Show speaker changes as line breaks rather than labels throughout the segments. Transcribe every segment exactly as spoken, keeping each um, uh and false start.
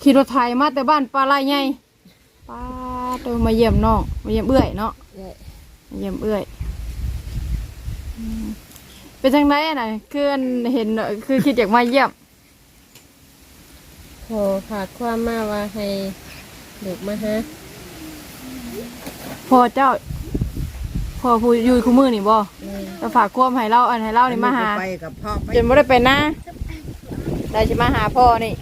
ขี่รถไถมาแต่บ้านปลาไหลไงป้าตัวมาเยี่ยมน้องมาเยี่ยมเอื้อยเนาะมาเยี่ยมเอื้อยเป็นจังไรน่ะคือเห็นคือคิดอยากมาเยี่ยม
ขอฝากความมาว่าให้เด็กมาฮะ
พ่อเจ้าพ่อผู้อยู่คู่มือนี่บ่จะฝากความให้เล่าอันให้เล่านี่มาหาจนไม่ได้ไปนะได้จะมาหาพ่อนี่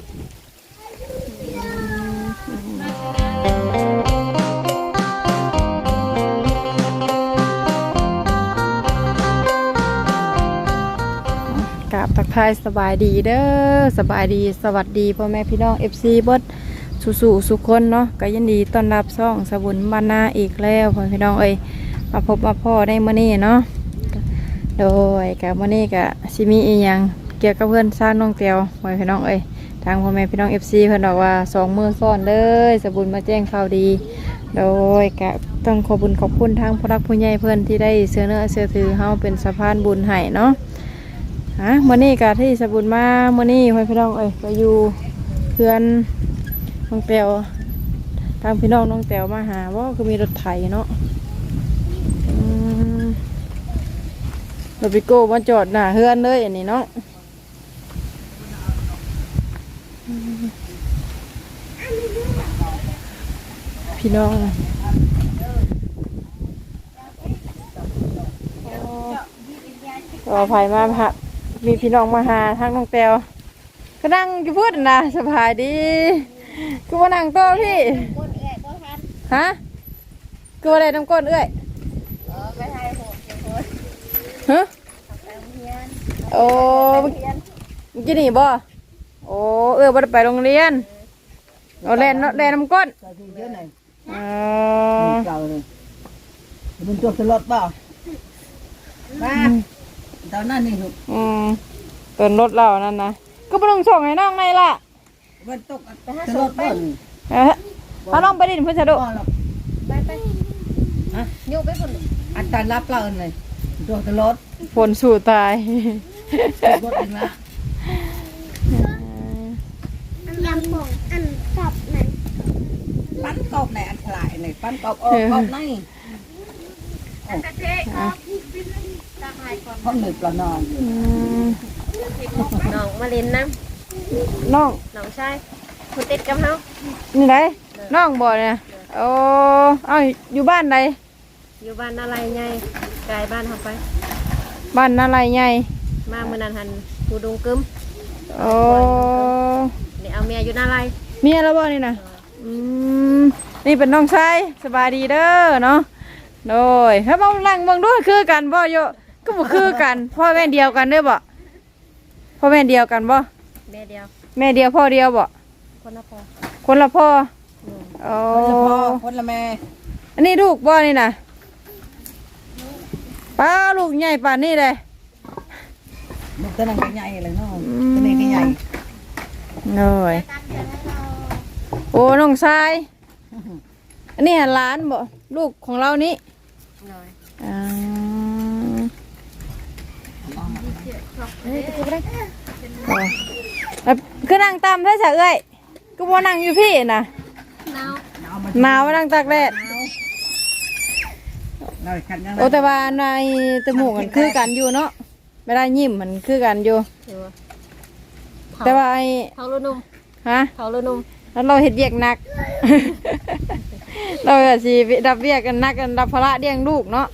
กับทักทายสบายดีเด้อสบายดีสวัสดีพ่อแม่พี่น้อง เอฟ ซี เบิดสู่สู่สุขคนเนาะก็ยินดีต้อนรับซ่องสบุญบานนาอีกแล้วพ่อพี่น้องเอ้ยมาพบมาพ่อได้มื้อนี้เนาะโดยกับมื้อนี้ก็สิมีอีหยังเกี่ยวกับเพื่อนสร้างน้องเตียวพ่อพี่น้องเอ้ยทางพ่อแม่พี่น้อง เอฟ ซี เพิ่นบอกว่าสองมื้อซ้อนเลยสบุญมาแจ้งข่าวดีโดยก็ต้องขอบุญขอบคุณทางผู้รักผู้ใหญ่เพิ่นที่ได้เสื้อเนื้อเสื้อถือเฮาเป็นสะพานบุญให้เนาะฮะมื้อนี้ก็ที่สบุญมามื้อนี้พ่อพี่น้องเอ้ยก็อยู่เพื่อนน้องเตียวทางพี่น้องน้องเตียวมาหาว่าคือมีรถไถเนาะรถปิโก้มาจอดหน้าเฮือนเลยอันนี้เนาะพี่น้องต่อไปมาพะมีพี่น้องมาหาทางน้องเตียวก็นั่งอยู่พูดนะสบายดีกูมานั่งโต๊ะพี่ฮะกูอะไรน้ำก้นเอ้ยฮะโอ้เมื่อกี้นี่บ่โอ้เออบ่ได้ไปโรงเรียนเอาแลนแลนน้ำก้นอ๋อ
มันจบตลอดเปล่ามาตอนนั้นนี่ลูก
อืมเติมรถเรานั่นนะก็ไปลงส่งให้น้องไงล่ะ
มันตกตลอดเปล่า
เออเอาน้องไปดินเพื่อนจะดู
ไปไปฮะโยกไปคน
อันตรรับเราเลยตัวตลอด
ฝนสู่ตาย
รถเองละ
ยำผงอันกรอบไหน
ปั้นกรอบไหนอันฉลาดไหนปั้นกรอบออกกรอบไหน
กระเจี๊ยบ
ห้องหนึ่งปลานอน
น้องมาเล่นน้
ำน้อง
น้องชายคนติดกับเขา
นี่ไหนน้องบ่เนี่ยโอ้เอาอยู่บ้านไหน
อยู่บ้านอะไรไงไกลบ้านเขาไป
บ้านอะไรไง
มาเมื่อนั้นหันกูดงกึม
โอ้
นี่เอาเมียอยู่นาไร
เมียแล้วบ่นี่นะอืมนี่เป็นน้องชายสบายดีเด้อเนาะโดยถ้ามองลังมองด้วยคือกันบ่โยก็บ่คือกันพ่อแม่เดียวกันเด้อบ่พ่อแม่เดียวกันบ่
แม่เดียว
แม่เดียวพ่อเดียวบ่
คนละพ่อ
คนละพ่อโอ้
คนละพ่อคนละแม่
อันนี้ลูกบ่นี่นะป้าลูกใหญ่ป่านนี้เลย
ลูกตัวนั้นก็ใหญ่เลยเนาะตัวนี้ก็ใหญ่
หน่อยโอ้น้องชายอันนี้หลานบ่ลูกของเรานี่อ่าก็นั่งตามแท้ๆเอ้ยก็บ่นั่งอยู่พี่นะหนาวหนาวนั่งตากแดดโอ้แต่ว่าในจมูกมันคือกันอยู่เนาะไม่ได้ยิ้มมันคือกันอยู่แต่ว่าไอ้
เขาลุนุ่ม
ฮะ
เขาลุนุ่ม
แล้วเราเห็ดเวียกหนักเราสิดับเวียกกันนักกันดับภาระเลี้ยงลูกเนาะ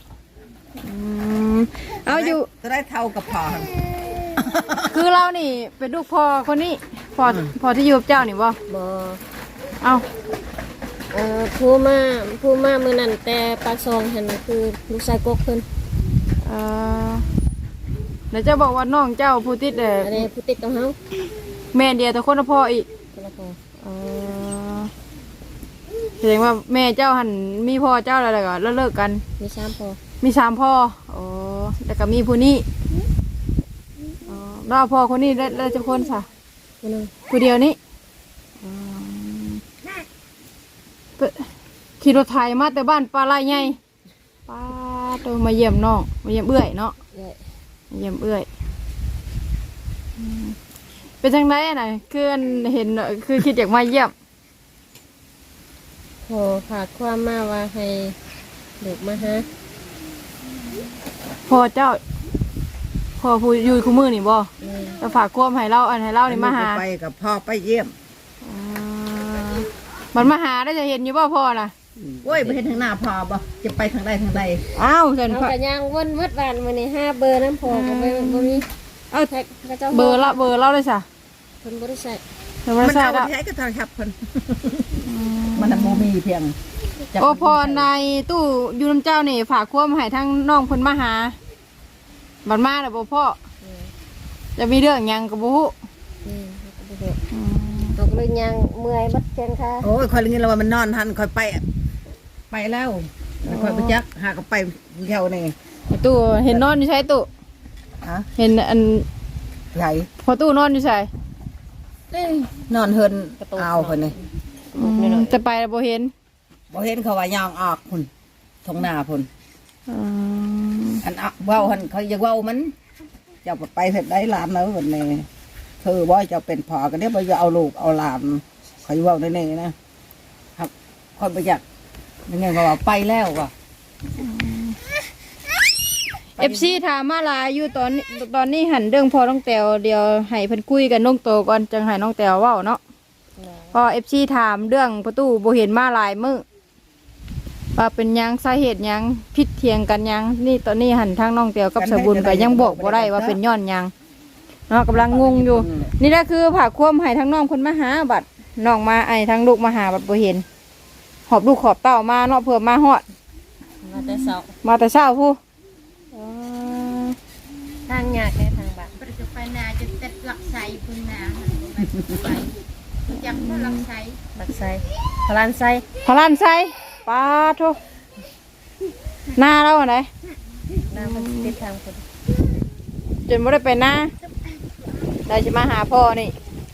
เอาอยู่
จะได้เท่ากับพ่อ
คือเรานี่เป็นลูกพ่อคนนี้พ่อพ่อที่อยู่กับเจ้านี่บ่
บ่
เอา
เอ่อผู้มาผู้มาเมื่อนั้นแต่ปากซองเห็นคือลูกชายกกเพิ่น
เออเดี๋ยวจะบอกว่าน้องเจ้าผู้ติดเด้อ
อันนี้ผู้ติดกับเฮา
แม่เดียวแต่คนละพ่ออีก
คนละพ่อ
เออแสดงว่าแม่เจ้าหันมีพ่อเจ้าอะไรก็แล้วเลิกกัน
มีสามพ่อ
มีสามพ่ออ๋อแล้วก็มีผู้นี้อ๋อแล้วพ่อคนนี้ได้ได้จะคนซะ
คนนึง
ผู้เดียวนี้ขี่รถไถมาแต่บ้านปลาไหลไงป้าตัวมาเยี่ยมน้องมาเยี่ยมเอื้อยเนาะมาเยี่ยมเอื้อย เป็นเป็นจังได๋น่ะคืออันเห็นคือคิดอยากมาเยี่ยม
ขอฝากความมาว่าให้ลูกมาฮะ
พ่อเจ้าพ่อผู้อยู่คู่มือนี่บ่
อืม
จะฝากความให้เราอันให้เรานี่มาหา
ไปกับพ่อไปเยี่ยม
อ่ามันมาหาได้จะเห็นอยู่บ่พ่อน่ะ
โอ้ยไปเห็นทางหน้าพ่อบ่จะไปทางใดทางใด
อ้าวเห็น
เอา
พ่อก
ระย่างวนมืดวันมื้อนี้ห้าเบอร์น้ำพอก็บ่บ่มี
เอา
แท็กกระเจ้า
เบอร์ละเบอร์เราเลยจ้ะ
เพิ่นบ่ได้ใช้
เดี๋ยว
มั
มาน ใส่
เอาไป
ละ
ใช้ก็โทรศัพท์เพิ่นมันน่ะบ่มีเพียงจัก
โอ้พ่อในตู้อยู่น้ำเจ้านี่ฝากความให้ทั้งน้องเพิ่นมาหาบัดมาแล้วบ่พ่อ
อืม
จะมีเรื่องหยังก็บ่ฮู้
อืมบ่ฮู้เอาก็เลยย่างเมื่อยบัดแขนขา
โอ้ยคอยเลยงี้แล้วว่ามันนอนหันคอยไปอะไปแล้วแล้วคอยไปจักหาก็ไปเที่ยวนี่
ตู้เห็นนอนอยู่ใช่ตู้
ฮะ
เห็นอัน
ใหญ่
พอตู้นอนอยู่ใช่
นอนเฮินเอาเพิ่นนี่
จะไปแล้วบ่เห็น
บ่เห็นเขาว่ายางออกพุ่นทงหน้าพุ่น
อืม
อันอะเว้าหันเขาอยากเว้ามันเจ้าไปเสร็จได้หลานแล้วเพิ่นนี่คือบ่เจ้าเป็นพ่อก็เดี๋ยวบ่จะเอาลูกเอาหลานเขาเว้าได้แน่นะครับคนบ่อยากยังไงก็ว่าไปแล้วว่ะ
เอฟซีถามมาหลายอยู่ตอนนี้ตอนนี้หันเรื่องพอน้องแตวเดียวให้เพิ่นคุยกันน้องโตก่อนจังให้น้องแตวเว้าเนาะพอเอฟซีถามเรื่องประตูบ่เห็นมาหลายมื้อว่าเป็นหยังสาเหตุหยังผิดเถียงกันหยังนี่ตอนนี้หันทางน้องแตวกับสบุญก็ยังบอกบ่ได้ว่าเป็นย้อนหยังเนาะกำลังงงอยู่ นี่แหละคือผ่าควมให้ทั้งน้องคนมาหาบัดน้องมาไอ้ทั้งลูกมาหาบัดบ่เห็น หอบลูกหอบเต้ามาเนาะเพื่อมาฮอด
มาแต่เช้า
มาแต่เช้าผู้อ๋อ
ทางยากในทางบ้าน
ประจุไฟนาจะเต็ดหลักใสพุ่นนาไปจับหลักใส
ลักไซพลานไซ
พลานใส่ปลาโทหน้าเราอันไหน
น้ำมันติดทางคน
จนบ่ได้ไปหน้าได้จะมาหาพ่อนี่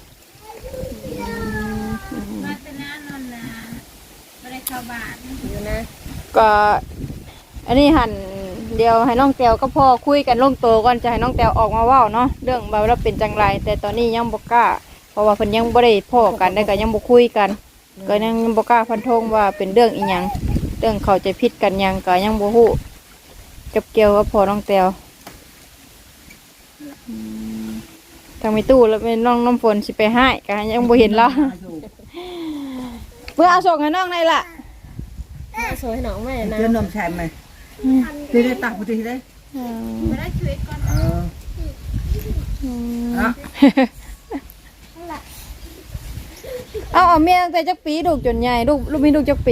มาตนานนนาไม่ได้เข้าบ้าน
อยู่นะ
ก็อันนี้หันเดียวให้น้องแตวก็พ่อคุยกันลงโตวก่อนจะให้น้องแตวออกมาเว้าเนาะเรื่องแบบว่าเป็นจังไรแต่ตอนนี้ยังบ่กล้าเพราะว่าเพิ่นยังบ่ได้พ่อกันได้ก็ยังบ่คุยกัน ก็ยังบ่กล้าฟันธงว่าเป็นเรื่องอีหยังเรื่องเขาใจะผิดกันหยังก็ยังบ่ฮู้จับเกี่ยวกับพ่อน้องแตวอืมทางมีตู้แล้วเป็นน้องน้ำฝนสิไปให้ก็ยังบ่เห็นเราเพื่อเอาส่งให้น้องได้ล่ะ
เอาโซ่ให้น้องแม่นะ
เจอนมแชมไหมได้ได้ตักพุทธิได้
ไม่ได้ช่วยก่อน
เอออ่ะ
เอาเอาเมียตั้งแต่จักปีลูกจนใหญ่ลูกลูกมีลูกจักปี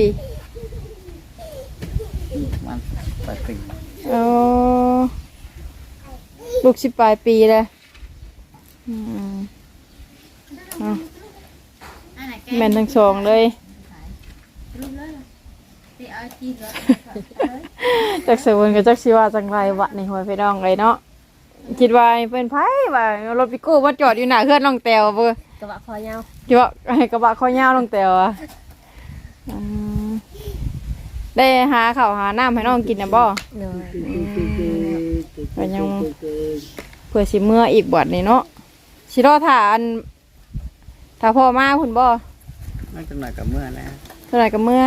มันไปปี
เออลูกสิบปลายปีเลยอืมเอา
อันไหนแก
แม่นทั้งสองเลย
รู้เลยไปเอาจีรถ
จักเสวนกับจักสิว่าจังไรวะนี่หัวไปดองเลยเนาะคิดว่าเป็นไผว่ารถปิโก้มาจอดอยู่หน้าเฮือนน้องแตวเบ่
กระบะคอยาว
คิดว่าให้กระบะข้อยาวน้องแตวอะอืมได้หาข้าวหาน้ำให้น้องกินนะบ่
เนาะ
ก็ยังเพื่อสิเมื่ออีกบัดนี่เนาะสิรอถ่าอันถ้าพ่อมาคุณบ่
ไม่จังหน่อยกับเมื่อนะ
เท่าไหร่กับเมื่อ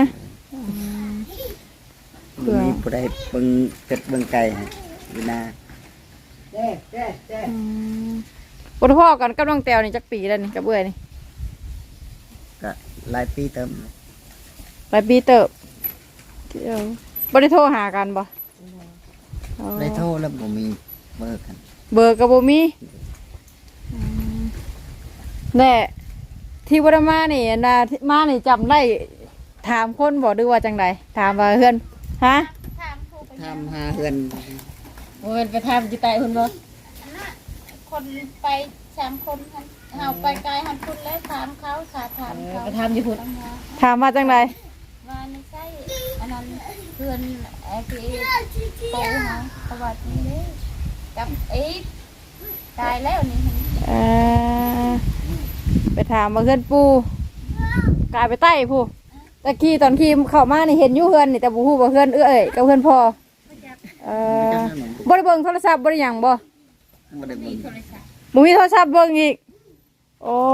เผื่อ
มีผู้ใดเบิ่งเกิดเบิ่งไก่ให้อยู่นาเจ๊เจ๊เจ๊
อืมบ่ได้พ่อกันกับน้องแตวนี่จักปีแล้วนี่กับเบื่อยนี่
ก็หลายปีเติม
หลายปีเติบเดี๋ยวบ่ได้โทรหากันบ่อ๋อ
ได้โทรแล้วบ่มีเบอร์กัน
เบอร์ก็บ่มีอืมแน่ที่บ่ได้มานี่อันน่ะที่มานี่จำได้ถามคนบ่หรือว่าจังไดถามว่าเฮือนฮะ
ถามครูไป
ทำหาเฮือน
โอ้ยไปทำจิตใจคุณบ่
อันน่ะคนไปสามคนเอาไปไกลหันคุณเลยถามเขาค่ะถามเขา
ไปทำอยู่พุ่น
ถามว่าจังได
ว่าไม่ใช่อันนั้นเพื่อนไอ้ที่โตเขาประวัตินี้เลยกับไอ้ตายแล้วนี่
เอ่อไปถามว่าเฮือนปู่กลายไปใต้ผู้ตะกี้ตอนขี่เข้ามานี่เห็นอยู่เฮือนนี่แต่บ่ฮู้ว่าเฮือนเอ้ยกับเฮือนพ่อเอ่อบ่ได้เบิ่งโทรศัพท์บ่ได้หยังบ่
บ่ได้เบิ่ง
โทรศัพท์
บ่มีโทรศัพท์เบิ่งอีกโอ้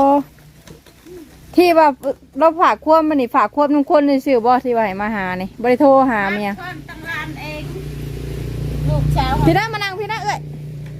ที่ว่าเราฝากควบมันนี่ฝากควบน้ำคนในสื่อบ่ที่ว่าให้มาหานี่บริโทรหาเมีย
คนตั้งร้านเองลูกสาว
พี่น้ามานั่งพี่น้าเอ้ย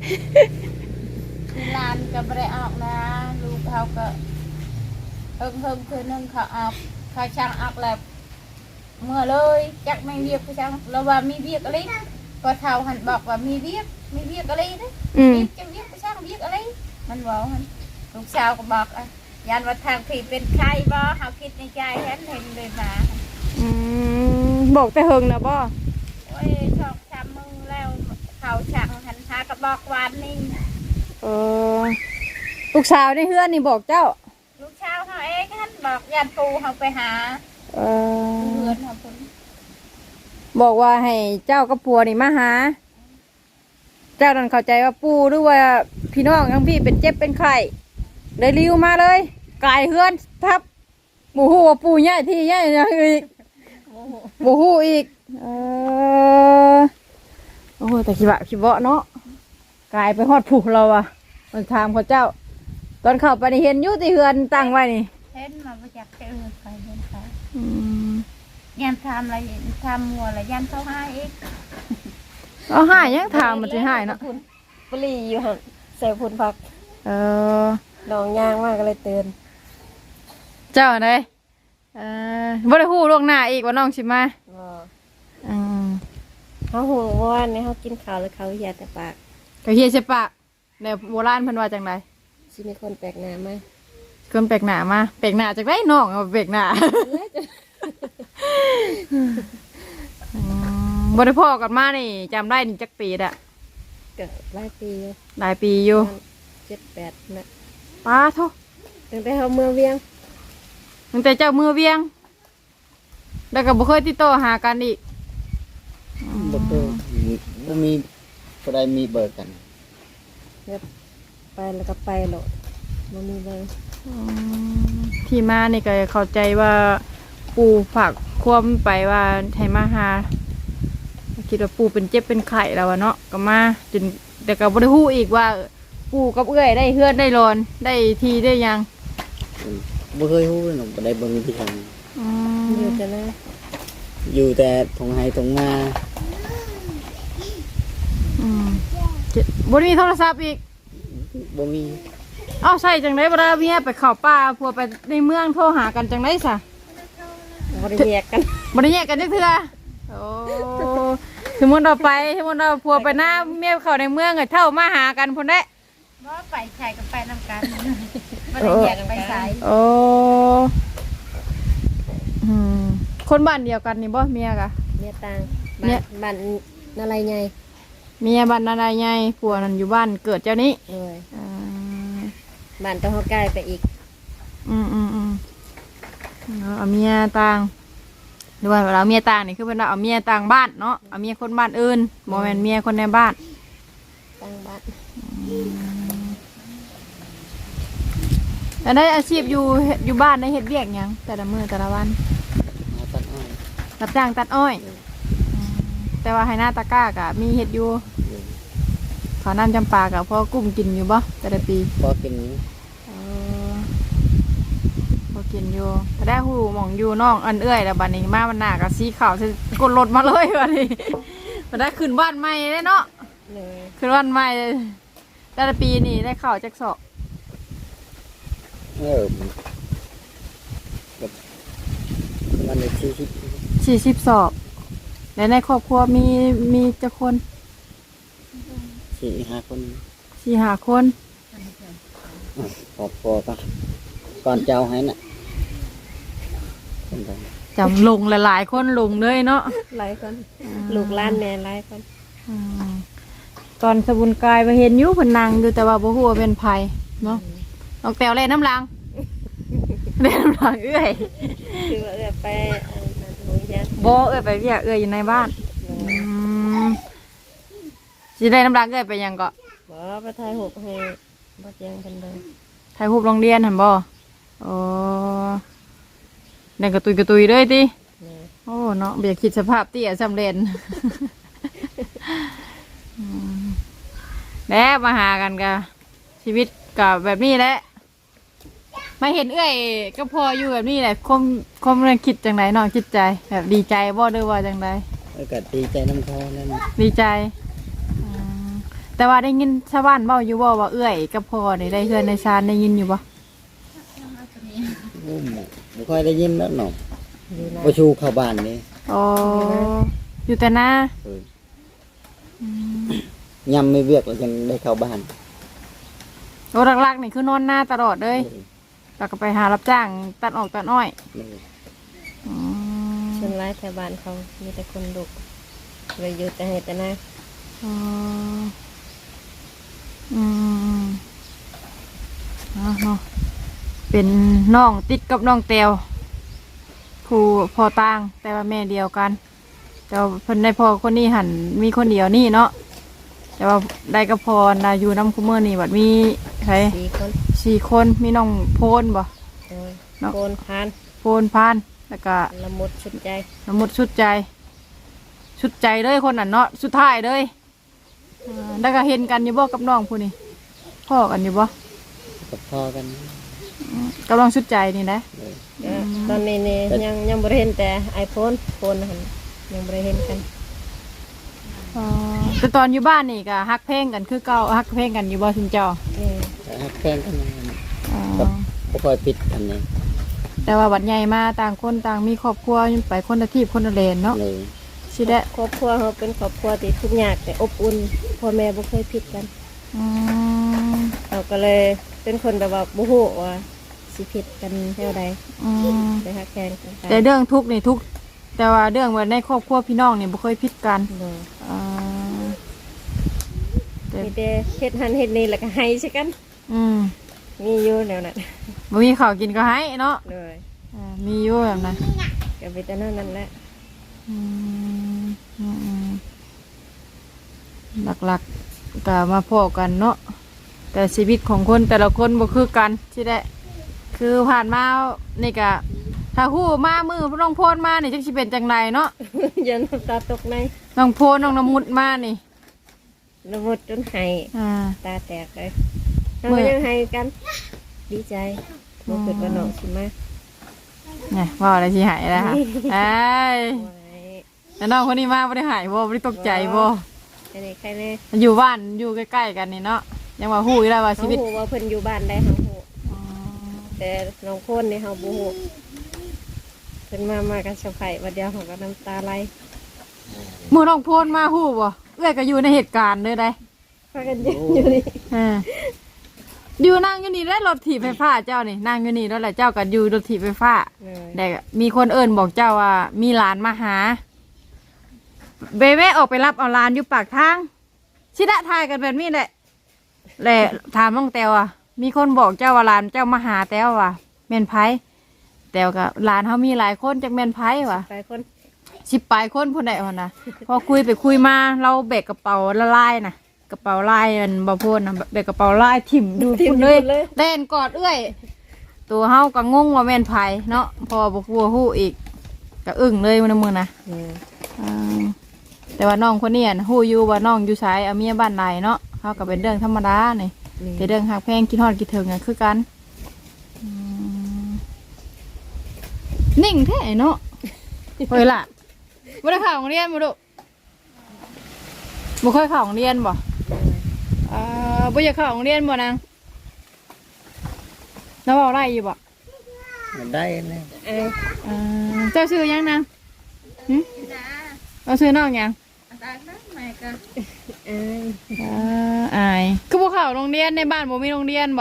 ที่ร้านก็ไม่ได้ออกนะลูกเขาก็เฮิงเฮิงคือนึงเขาออกเขาช่างออกแล้วเมื่อเลยจักไม่เวียกเขาช่างเราว่ามีเวียกอะไรก็เท่าหันบอกว่ามีเวียกมีเวียกอะไรนะ
อืม
เวียกจะเวียกเขาช่างเวียกอะไรมันบอกหันลูกสาวก็บอกอ่ะยันว่าทางผีเป็นใครบ่เขาคิดในใจเห็นเห็นเลยมา
อืมบอกแต่เฮิงนะบ่
โอ้ยชอบทำมึงแล้วเขาช่างหันหากระบอกวานนี่
เออลูกสาวในเฮือนนี่บอกเจ้า
ลูกชาวเขาเองท่านบอกยันปูเขาไปหา
เออ
เพื่อนเขาพุ่น
บอกว่าให้เจ้ากับผัวนี่มาหา เจ้านั่นเข้าใจว่าปู่หรือว่าพี่น้องทั้งพี่เป็นเจ็บเป็นไข้เลยริวมาเลยกายเฮือนทับหมูหูว่าปู่ใหญ่ที่ใหญ่ยังอีกหมูหูอีกเออโอ้โหแต่ขี้บะขี้เบาะเนาะกายไปฮอดผูเราอะมันถามเขาเจ้า ตอนเข้าไปนี่เห็นอยุติเฮือนตั้งไว้นี่
เห็นมาประจักษ์เจอใครเห็นใคร
อืม
ยันทำอะไรทำมัวอะไรยันเขาให้อีก
เอาหายยังถามมันจะหายเนาะ
ปลีอยู่หั่นใส่พุ่นพัก
เออ
ดองย่างมากก็เลยเตือน
เจ้าไหนเออบ่ได้ฮู้ล่วงหน้าอีกว่าน้องสิมา
บ่
อืม
เฮาหูว่านี่เฮากินข้าวแล้วเขาเฮียแต่ปาก
ก็เฮียใช่ปะในโบราณเพิ่นว่าจังได
สิมีคนแปลกหน้ามา
คนแปลกหน้ามาแปลกหน้าจากไดน้องเอาแปลกหน้าอืมบ่ได้พ่อกันมานี่จำได้นี่จักปีดะ
ก็หลายปีอยู่
หลายปีอยู่
เจ็ดแปดนะ
ป้าโท
ตั้งแต่เฮาเมืองเวียง
ตั้งแต่เจ้ามือเวียง แล้วก็บ่เคยติดต่อหากันอีก
บ่เคยบ่มีบ่ได้มีเบอร์กัน
แล้วไปแล้วก็ไปโลดบ่มีเลย
อืมที่มานี่ก็เข้าใจว่าปู่ฝากความไปว่าให้มาหาคิดว่าปู่เป็นเจ็บเป็นไข้แล้วอะเนาะก็มาจนแต่ก็บ่ได้ฮู้อีกว่า ปู่กับเอื้อยได้เฮือนได้รอนได้ทีได้หยัง
บ่เคยฮู้เลยเนาะบ่ได้เบิ่งที่ทาง
อื
อยู่
ม
แต่นะ
อยู่แต่ทงไห้ทงนา
อืมเจ็บบ่ได้มีโทรศัพท์อีก
บ่มี
เอ้าใส่จังได๋บ่ได้เมียไปเข้าป่าพัวไปในเมืองโทรหากันจังได๋ซะ
บ่ได้แยกกัน
บ่ได้แยกกันจักเทื่อโอ้สมมุติเราไปสมมุติเราพัวไปหน้าเมียเข้าในเมืองก็เท่ามาหากันพุ่นเด้
ว่าไปใส่กับไปนำกันไม่ได้แยกไปใส่
โอ้อืมคนบ้านเดียวกันนี่บ่เมียกะ
เมียต่าง
เนี่
บ้าย นบ้านนาไรใหญ่
เมียบ้านนายใหญ่ผัวนั่นอยู่บ้านเกิดเจ้านี้
เลย
อ่า
บ้านต้องเฮาใกล้ไปอีก
อืมอืมอืมเอาเมียต่างหรือว่าเราเมียต่างนี่คือเป็นเราเอาเมียต่างบ้านเนาะเอาเมียคนบ้านอื่นบ่แม่นเมียคนในบ้าน
ตั้งบ้าน
แล้วได้อาชีพอยู่เฮ็ดอยู่บ้านได้เฮ็ดเวียกหยังแต่ละมื้อแต่ละวัน
หาตัดอ้อย
รับจ้างตัดอ้อยอืมแต่ว่าให้หน้าตะกร้ากะมีเฮ็ดอยู่
อยู่
ขอน้ำจำปากับพ่อกุ้มกินอยู่บ่แต่ละปี
พอกินอยู่
เออพอกินอยู่แต่ได้หูหมองอยู่น้องอันเอื้อยแล้วบัดนี้มามันหนากับสีขาวสิกดรถมาเลยบัดนี้บัดได้ขึ้นบ้านใหม่ได้เนาะ
เลย
ขึ้นบ้านใหม่เลยแต่ละปีนี่ได้ข่าวจักสอบ
เออแบบวันละสี่สิบ
สี่สิบสอบแล้วในครอบครัวมีมีจักคน
สี่ห้าคน
สี่ห้าคน
พอพอก็ก่อนเจ้าให้น่ะคนใด
จำลงหลายๆคนลงเลยเนาะ
หลายคนลูกหล้านแน่หลายคน
อืมตอนสบุนกายไปเห็นอยุเพนนังอยู่แต่ว่าบ่ฮู้ว่าเป็นไผเนาะนอกแตวเล่นน้ำลัง เล่นน้ำลังเอื้อย
คือว่าเอื้อไปอันนั้นโหยยัน
บ่เอื้อยไปเวียกเอื้อยอยู่ในบ้านอืมสิได้น้ำลังเอื้อยไปหยังก็
บ่ไปถ่ายรูปให้บ่แจ้งกันเลย
ถ่ายรูปโรงเรียนหั่นบ่โอ้นั่นกระตุยกระตุยเลยติ
นี่
โอ้เนาะบ่อยากคิดสภาพเตี้ยสำเร็จ อืมแล้วมาหากันกะชีวิตกับแบบนี้แหละมาเห็นเอ้อยก็พออยู่แบบนี้แหละความความเรื่องคิดจังไดน้องคิดใจแบบดีใจบ่หรือว่าจังได
แล้วก็ดีใจน้ำเขานั่น
ดีใจอืมแต่ว่าได้ยินชาวบ้านเว้าอยู่บ่ว่าเอ้อยก็พอนี่ได้เฮือนในชานได้ยินอยู่บ่
โอ้ไม่ค่อยได้ยินแล้วหนอ
อยู่นะ
ประชูเข้าบ้านนี่
อ๋ออยู่แต่หน้า
เออยำไม่เวียกแล้วยังได้เข้าบ้าน
โอ้หลักๆนี่คือนอนหน้าตลอดเลยแล้วก็ไปหารับจ้างตัดออกตัดอ้อย
เออ
อืม
ส่วนหลายแถวบ้านเขามีแต่คนดุเลยอยู่แต่ให้แต่หน้า
อ๋ออืมเอาเนาะเป็นน้องติดกับน้องเตียวผู้พ่อต่างแต่ว่าแม่เดียวกัน แต่ว่าเพิ่นได้พ่อคนนี้หันมีคนเดียวนี่เนาะแต่ว่าได้กับพ่อนะอยู่น้ำคุเมอร์นี่บัดมีใคร
สี่คน
สี่คนมีน้องโพนบ่
โดย
เนาะ
โกนพาน
โพนพานแล้วก็
ละมุดชุดใจ
น้ำมดชุดใจ ชุดใจเลยคนนั้นเนาะสุดท้ายเลยอ่าแล้วก็เห็นกันอยู่บ่กับน้องผู้นี้พ่อกันอยู่บ่
กับพ่อกัน
อืมกำลังชุดใจนี่นะ
เลย
ก็ตอนนี้นี่ยังยังบ่ได้เห็นแต่ไอโฟนโฟนหันยังบ่ได้เห็นกัน
อ๋อแต่ตอนอยู่บ้านนี่ก็ฮักเพลงกันคือเก่าฮักเพลงกันอยู่บ่ชินเจ้า
นี่
แต่ฮักแฟนกันนั่น
อ๋อ
ไม่ค่อยปิดกันเลย
แต่ว่าบัดใหญ่มาต่างคนต่างมีครอบครัวไปคนละที่คนละเลนเนาะ
เลย
สิได้
ครอบครัวเขาเป็นครอบครัวที่ทุกข์ยากแต่อบอุ่นพ่อแม่บ่เคยผิดกัน
อืม
เราก็เลยเป็นคนแบบว่าบ่ฮู้ว่าสิผิดกันแนวใด
อืม
ไปฮักแกงกันไป
แต่เรื่องทุกข์นี่ทุกข์แต่ว่าเรื่องว่าในครอบครัวพี่น้องนี่บ่เคยผิดกัน
บ่
อ่าแต่
มีแต่เฮ็ดหันเฮ็ดนี่แล้วก็ให้ใช่กัน
อืม
มีอยู่แนวนั้น
บ่มีข้าวกินก็ให้เนาะ
เลย
อ่ามีอยู่แบบนั้น
ก็มีแต่นั้นนั่นแหละ
อืมอืมอืมหลักๆก็มาพอกันเนาะแต่ชีวิตของคนแต่ละคนบ่คือกันที่ได้คือผ่านมานี่ก็ถ้าฮู้มามือน้องโพนมานี่จักสิเป็นจังไดเนาะ
ยันน้ำตาตกใน
น้องโพนน้องน้ำมุดมานี่
ละมุดจนให้
อ่า
ตาแตกเลย
เมื่
เรา
อ
ยังให้กัน ดีใจบ่คิดว่าน้องสิมา
เนี่ยว่าอะไรสิหายแล้วค่ะไอ้ย
ไว้
แล้วน้องคนนี้มาบ่ได้หายบ่บ่ได้ตกใจบ่
ใครแน่ใครแน่
อยู่บ้านอยู่ใกล้ๆกันนี่เนาะยังว่าฮู้อยู่แล้วว่า
เขา
ชีวิต
ฮู้ว่าเพิ่นอยู่บ้านได้เฮาฮู้แต่น้องโคนนี่เฮาบ่ฮู้เพิ่นมามากันเซอร์ไพรส์ว่าเดียวเขาก็น้ำตาไหล
มือน้องโพนมาฮู้บ่เอ้อยก็อยู่ในเหตุการณ์เลยได้
พากันยืนอยู่นี่
อ่าอยู่นั่งอยู่นี่แล้วรถถีบไฟฟ้าเจ้านี่นั่งอยู่นี่แล้วแหละเจ้าก็อยู่รถถีบไฟฟ้า
เลย
แต่มีคนเอิ้นบอกเจ้าว่ามีหลานมาหาเบเบ้ออกไปรับเอาหลานอยู่ปากทางชิดะทายกันแบบนี้แหละแหละถามน้องแตวอ่ะมีคนบอกเจ้าว่าหลานเจ้ามาหาแตวว่ะแม่นไผแตวกับหลานเขามีหลายคนจากแม่นไผว่ะ
ไปคน
สิบปลายคนพูนได้เอานะพอคุยไปคุยมาเราแบกกระเป๋าละลายนะกระเป๋าลายมันบ่พูดนะแบกกระเป๋าลายถิ่มดูพุ่นเลยเล่นกอดเอื้อยตัวเฮาก็งงว่าแม่นไผเนาะพอบ่กลัวฮู้อีกก็อึ้งเลยมันนะมึงนะ
อืม
อ่าแต่ว่าน้องคนนี้น่ะฮู้อยู่ว่าน้องอยู่ไสเอาเมียบ้านใดเนาะเฮาก็เป็นเรื่องธรรมดานี่
นี่
แต่เรื่องฮักแพงกินฮอดกินถึงอ่ะคือกันอืมนิ่งแท้เนาะเฮ้ยล่ะบ่ได้เข้าโรงเรียนบ่ลูกบ่เคยเข้าโรงเรียนบ่เอ่อบ่อยากเข้าโรงเรียนบ่นางแล้วเว้าได้อยู่บ่
มันได้เลย
เอ้ย
เอ่อเจ้าชื่อหยังนางหึเอาชื่อน้องหยัง
ตาตั้งแม่ก็
เอ้ย
เอ่ออายคือบ่เข้าโรงเรียนในบ้านบ่มีโรงเรียนบ่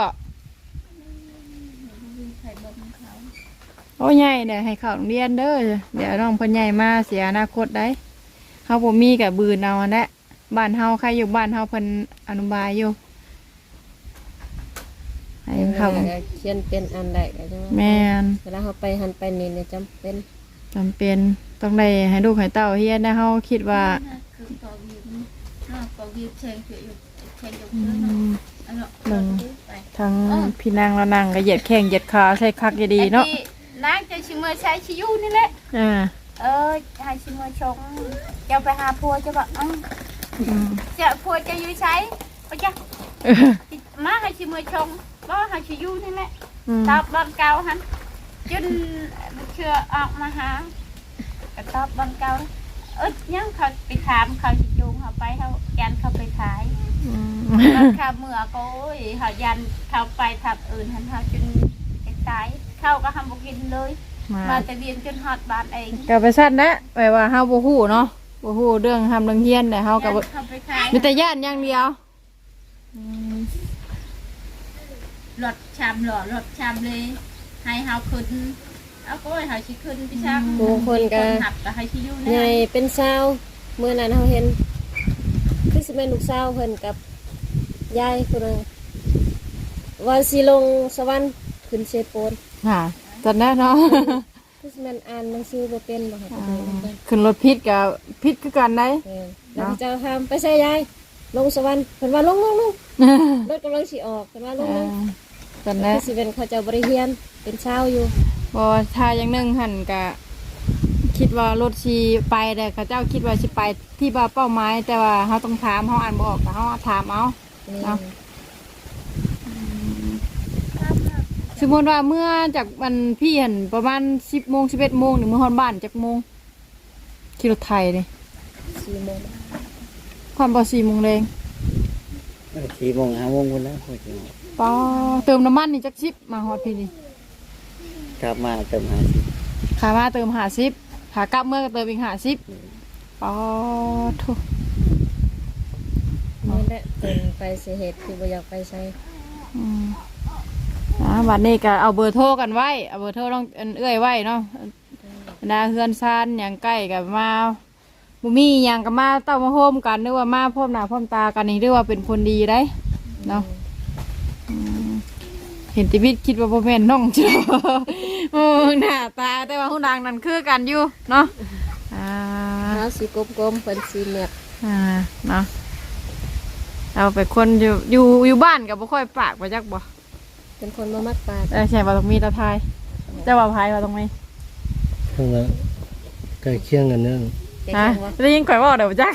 ใส่บ่มเขา
โอ้ยใหญ่เดี๋ยวให้เข้าโรงเรียนเด้อเดี๋ยวน้องเพิ่นใหญ่มาเสียอนาคตได้เฮาบ่มีก็บืนเอาอันนั้นบ้านเฮาใครอยู่บ้านเฮาเพิ่นอนุบาลอยู่ให้เข้า
เขียนเป็นอันใดก็จังว่า
แม่น
เวลาเขาไปหันไปนี่เนี่ยจำเป็น
จำเป็นต้องได้ให้ลูกให้เต้าเฮียนนะเฮาคิดว่า
คือปอวีนนอกปอวีเชงอยู่เชงอยู่
อื
เนาะ
ม
อันเนาะ
หนึ่ง
ไป
ทั้งพี่นางและนางก็เหยียดแข้งเหยียดขาใส่คักอย่าดีเนาะ
ไอ้ที่นางจะชิมเมอใช้ชิยูนี่แหละ
อ่า
เออให้ชิมเมอชงจะไปหาพัวจะบอกอืม
อืม
จะพัวจะอยื้อใช้ไปจ้ะ
เออ
มาให้ชิมเมอชงก็ให้ชิยูนี่แหละ
อืม
ตอบบอนเก่าหันจนเชื่อออกมาหาก็ตอบบอนเก่าเอ้ยยังเขาไปถามเขาสิจูงเขาไปเขายันเขาไปขาย
อืม
ตอนข้าเมื่อก็โอ้ยเขายันเขาไปทับอื่นหันเขาจนไปตายเข้าก็ทำบุกินเลย
มา
มาแต่เรียนจนฮอดบ้านเอง
ก็ไปสั้นนะแปลว่าเฮาบ่ฮู้เนาะบ่ฮู้เรื่องทำเรื่องเฮียนแต่เฮาก็บ่
เขาไปขาย
มีแต่ย่านอย่างเดียวอืม
รถชามหล่อรถชามเลย ให้เฮาขึ้นเอาก็ให้เฮาสิขึ้นพี่ช่าง
บางคนก็
หักก็ให้สิอยู่
ใหญ่
ใน
เป็นสาวเมื่อนั้นเฮาเห็นคือสิแม่นลูกสาวเพิ่นกับยายคนนึงว่าสิลงสวรรค์ขึ้นเชโปน
ค่ะตอนนั้นเนาะ
คือสิแม่นอ่านหนังสือบ่เป็นบ่ค่ะ
อ่าขึ้นรถพิษกับพิษคือกันได้
เออแล้วเจ้าถามไปใส่ยายลงสวรรค์เพิ่นว่าลงลงลงรถกำลังสิออกเพิ่นว่าลงลง
ตอนนั้น
คือสิเป็นเขาเจ้าบ่ได้เรียนเป็นชาวอยู่
บ่ถ้าอย่างหนึงหั่นก็คิดว่ารถสิไปแต่เขาเจ้าคิดว่าสิไปที่ว่าเป้าหมายแต่ว่าเฮาต้องถามเฮาอ่านบ่ออกก็เฮาถามเอา เนาะ สมมติว่าเมื่อจากวันพี่เห็นประมาณสิบโมงสิบเอ็ดโมงหรือเมื่อฮอนบ้านจากโมงขี่รถไทยเลย
สี่โมง
ความบ่สี่โมงแรง
สี่โมงห้าโมงคนแล้วพอจะ
ปอเติมน้ำมันนี่จักสิบมาฮอดพี่นี่
กลับมาเติมหาสิ
ขามาเติมหาสิบขากลับเมื่อก็เติมอีกหาสิบปอทุ
นี่แหละเป็นไปสิเหตุที่บ่อยากไปใช้
อืมนะวันนี้ก็เอาเบอร์โทรกันไว้เอาเบอร์โทรต้องเอิ้นเอื้อยไว้เนาะดาเฮือนซานอย่างใกล้กับมาบุมีอย่างกับมาเต้ามาโฮมกันหรือว่ามาพร้อมหน้าพร้อมตากันนี่เรียกว่าเป็นคนดีได้เนาะ เห็นติวิตคิดว่าพ่อแม่นน้องจ้ะ โอ้หน้าตาแต่ว่าหูดังนั่นคือกันอยู่เนาะอ่า
เท้าสีกลมๆเป็นสีแมบ
อ่าเนาะเราไปคนอยู่อยู่อยู่บ้านกับบ่ค่อยปากไปจักบ่
เป็นคนมามักปลา
เออใช่ว่าต้องมีตาทายเจ้าว่าพายว่าต้องมี
ทั้งนั้นใกล้เคียงกันเนื่อง
เด็ก
ฮะ
จังวะ
ได้ยินข่อยเว่าเดี๋ยวจัก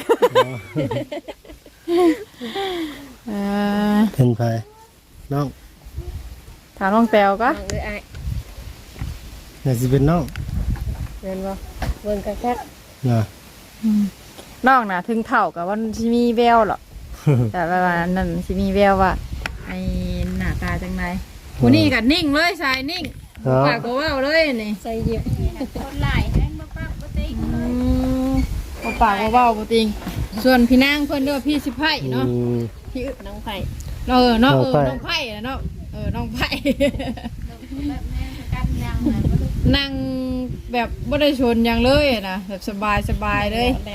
เออ
เป็นไผน้อง
ถามน้องแต้วก็
น้องเอ้ยอ้าย
น่าสิเป็นน้อง
เงินบ่เบิ่งกันแค่
นะ
อืมน้องน่ะถึงเท่ากับว่าสิมีแววหรอก แต่ว่านั่นสิมีแววว่าไอ้หน้าตาจังไดผู้นี้ก็นิ่งเลยชายนิ่ง
เนาะ
ปากก็เว้าเลยนี่
ใส่เย็บ
คนหลายแห้งบ่ปากบ่ติง
อืมบ่ปากก็เว้าบ่ติงส่วนพี่นางเพิ่นเด้อพี่สิไผเนาะ
อืม
พี่อึ
น้องไผ่
เออเนาะเออ
น้
น้
อ
อง ง
ไผ่
ไผเนาะเออน้องไผ
แบบแม่กันยังน่ะบ่รู้
นั่งแบบบ่ได้ชนหยังเลยนะแบบสบายสบายเลย
แล้ว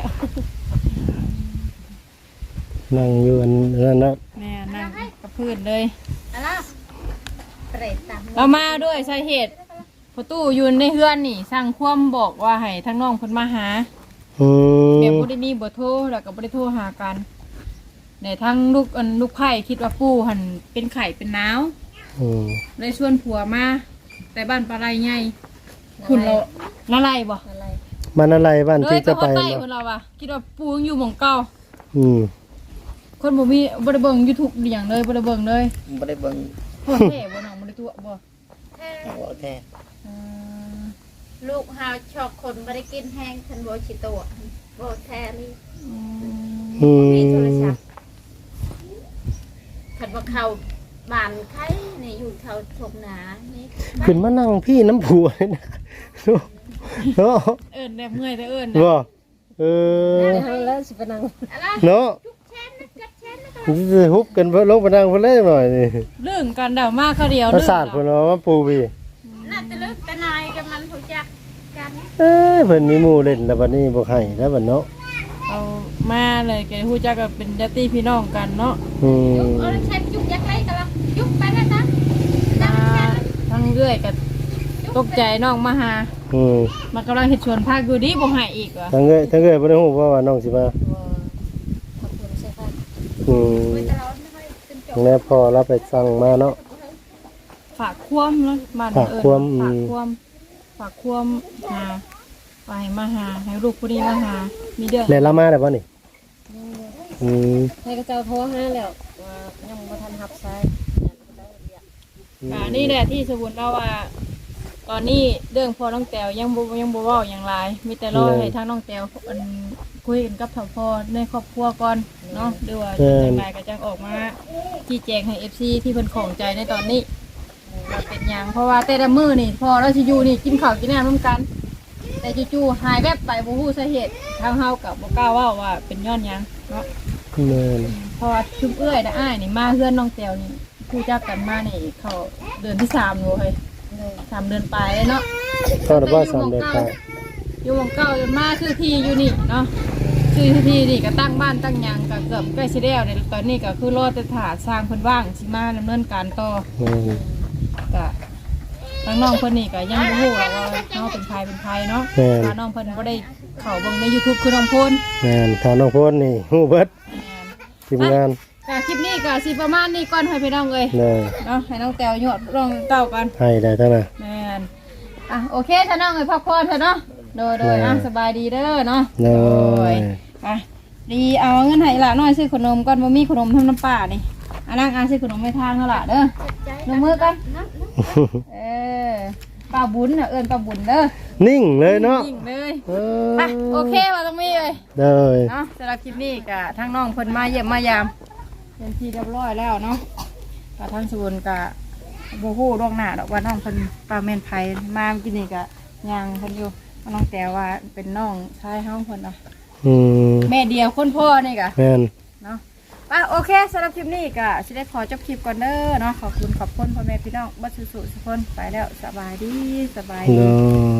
นั่งอยู่อันนั้นนะ
แม่นั่งกับพื้นเลย
อะไรเตรตาม
เรามาด้วยสาเหตุประตูอยู่ในเฮือนนี่สั่งความบอกว่าให้ทั้งน้องเพิ่นมาหา
อืม
แบบบ่ได้มีเบอร์โทรแล้วก็บ่ได้โทรหากันในทั้งลูกอันลูกไผ่คิดว่าปู่หันเป็นไข่เป็นหนาว
อืม
เลยชวนผัวมาแต่บ้านปลาไหลใหญ่คุณเราละลายบ่
อะไร
มันอะไรบ้าน
เล
ที่
ยไป
จะ
ฮอ
ไป
ดใต้
เนาะ
เพิ่นเราว่าคิดว่าปู่ยังอยู่หม่องเก่า
อืม
คนบ่มีบ่ได้เบิ่ง YouTube อหย่างเลยบ่ได้เบิ่งเลย
ไม่ได้เบิ่ง
พ่อแท้บ่น้องบ่ได้ตัวบ่
บ่แท้
อืม
ลูกเฮาชอบคนบ่ได้กินแห้งทันบ่สิโตะบ่แท้นี่
อืม
มีโทรศัพท์คันว่าเข้าบ้านใครนี่อยู่แถวทงนานี่
ขึ้นมานั่งพี่น้ำผัวเลยนะเนาะ
เอิ้นแบบเมื่อยแต่เอิ้น
บ่เออ
เดี๋ยวเฮาแล้วสิไปนั่ง
อะไร
เนาะ
จุกแชนนะกัดแชนนะ
จะฮุบกันเพิ่นลงไปนั่งเพิ่นเลยหน่อยนี่
เรื่องกันเดามาเขาเดียว
ประสาทเพิ่นเอามาปูพี่
น่าจะลึกแต่นายกับมันรู้จักกัน
เอ้ยเพิ่นมีหมู่เล่นแล้วบัดนี้บ่ให้แล้วบัดเนาะ
เอามาเลยแกฮู้จักก็เป็นญาติพี่น้องกันเนาะ
อืม
เออแชนจุกยักไรกันละจุกไปแล้วนะ
มาทั้งเรื่อยก็ตกใจน้องมาหา
อืม
มันกำลังเฮ็ดชวนภาคอยู่ดีบ่ให้อีกว่ะ
ทั้งเอ้ยทั้งเอ้ยบ่ได้ฮู้ว่าว่าน้องสิมา
บ่ขอบคุณใช่ค่ะ
อืม
แต่เราไม่ค่อยขึ้นจบ
แล้วพอเราไปสั่งมาเนาะ
ฝากความเนาะมัน
ฝาก
เอิ้น
ความ
ฝาก
อืม
ความฝากความหาไปมาหาให้ลูกผู้นี้มาหามีเด้อ
แล้วเรามาได้บ่นี่อืม
ให้กระเจ้าโทรหาแล้วว่ายังบ่ทันรับสาย
อ
อ่านี่แหละที่สมมุติเราว่า ตอนนี้เรื่องพ่อน้องแต้วยังบ่ยังบ่เว้าอย่างไรมีแต่รอให้ทางน้องแต้วอันคุยกันกับทางพ่อในครอบครัวก่อนเนาะหรือว่าจังไดก็จังออกมาชี้แจงให้ เอฟ ซี ที่เพิ่นของใจในตอนนี้ว่าเป็นหยังเพราะว่าแต่ละมื้อนี่พ่อเราสิอยู่นี่กินข้าวกินน้ำร่วมกัน แต่จู่ๆหายแวบไปบ่ฮู้สาเหตุทางเฮาก็บ่กล้าเว้าว่าเป็นย้อนหยังเนาะ
แม่น
เพราะว่าชุมเอื้อยนะอ้ายนี่มาเฮือนน้องแต้วนี่ผู้จักกันมานี่เขาเดือนที่สามแล้วเฮ้ยสามเดือนปลายแล้วเนาะ
ก็ได้ว่าสามเดือนไป
อยู่วงเก่าจนมาซื้อที่อยู่นี่เนาะซื้อที่นี่ก็ตั้งบ้านตั้งหยังก็เกือบใกล้สิแล้วในตอนนี้ก็คือรอแต่ถาสร้างเพิ่นว่างสิมาดำเนินการต่อ
แม่น
ก็ทางน้องเพิ่นนี่ก็ยังบ่ฮู้หรอกว่าเฮาเป็นใครเป็นใครเนาะว่าน้องเพิ่นบ่ได้เข้าเบิ่งใน YouTube คือน้องพล
แม่นถ้าน้องโพนนี่ฮู้เบิดทีมงาน
ก็คลิปนี้ก็สิประมาณนี้ก่อนให้พี่น้องเอ้ย
เลย
เนาะให้น้องแต้วหยอดรองเต้ากัน
ให้ได้ทั้งนั้น
แม่นอ่ะโอเคถ้าน้องเอ้ยพักผ่อนเถอะเนาะโดยโดยอ่ะสบายดีเด้อเนาะ
โดย
ไปดีเอาเงินให้ละน้อยซื้อขนมก่อนบ่มีขนมทำน้ำป่านี่อันนั้นอ่ะซื้อขนมไม่ทางเท่าละเด้อลงมือกันเออป้าบุญน่ะเอิ้นป้าบุญเด้อ
นิ่งเลยเนาะ
ยิ่งเลย
เอ
ไป
อ
โอเคว่าต้องมีเลย
เลย
เนาะสำหรับคลิปนี้ก็ทั้งน้องเพิ่นมาเยี่ยมมายามเป็นที่เรียบร้อยแล้วเนาะก็ทั้งสวนก็บ่ฮู้ล่วงหน้าดอกว่าน้องเพิ่นป้าแม่นไผมาเมื่อกี้นี่ก็ย่างเพิ่นอยู่ว่าน้องแต่ว่าเป็นน้องชายเฮาเพิ่นเนาะ
อืม
แม่เดียวคนพ่อนี่ก็
แม่น
เนาะไปโอเคสำหรับคลิปนี้ก็สิได้ขอจบคลิปก่อนเด้อเนาะขอบคุณขอบคุณพ่อแม่พี่น้องบัดสุๆทุกคนไปแล้วสบายดีสบาย
โด
ดี
ย